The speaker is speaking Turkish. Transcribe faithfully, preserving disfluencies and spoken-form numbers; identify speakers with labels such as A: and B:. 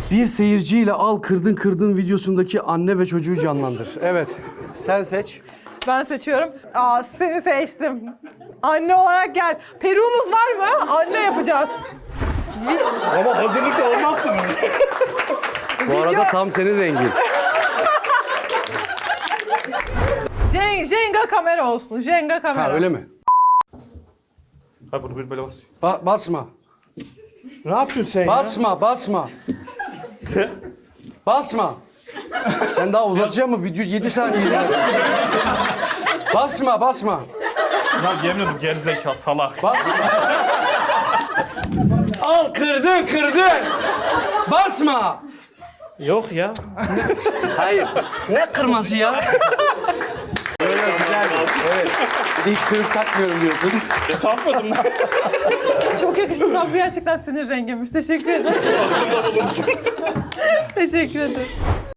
A: Bir seyirciyle al kırdın kırdın videosundaki anne ve çocuğu canlandır. Evet. Sen seç.
B: Ben seçiyorum. Aa, seni seçtim. Anne olarak gel. Peruğumuz var mı? Anne yapacağız.
C: Ama hazırlıklı olmazsınız.
A: Bu arada tam senin rengin.
B: Jen- Jenga kamera olsun. Jenga kamera.
A: Ha öyle mi?
C: Ha bunu bir böyle bas.
A: Ba- basma.
C: Ne yapıyorsun sen
A: Basma, basma.
C: ya? Sen...
A: Basma. Sen daha uzatacak mı? Video yedi saniye. Basma, basma.
C: Lan yemin ederim gerizekalı salak.
A: Basma. Al kırdın, kırdın. Basma.
C: Yok ya.
A: Hayır. Ne kırması ya? Böyle güzeldi. Evet. Bir de hiç peruk takmıyorum diyorsun.
C: E, takmadım lan.
B: Çok yakıştı. Tam gerçekten senin renginmiş. Teşekkür ederim. Teşekkür ederim.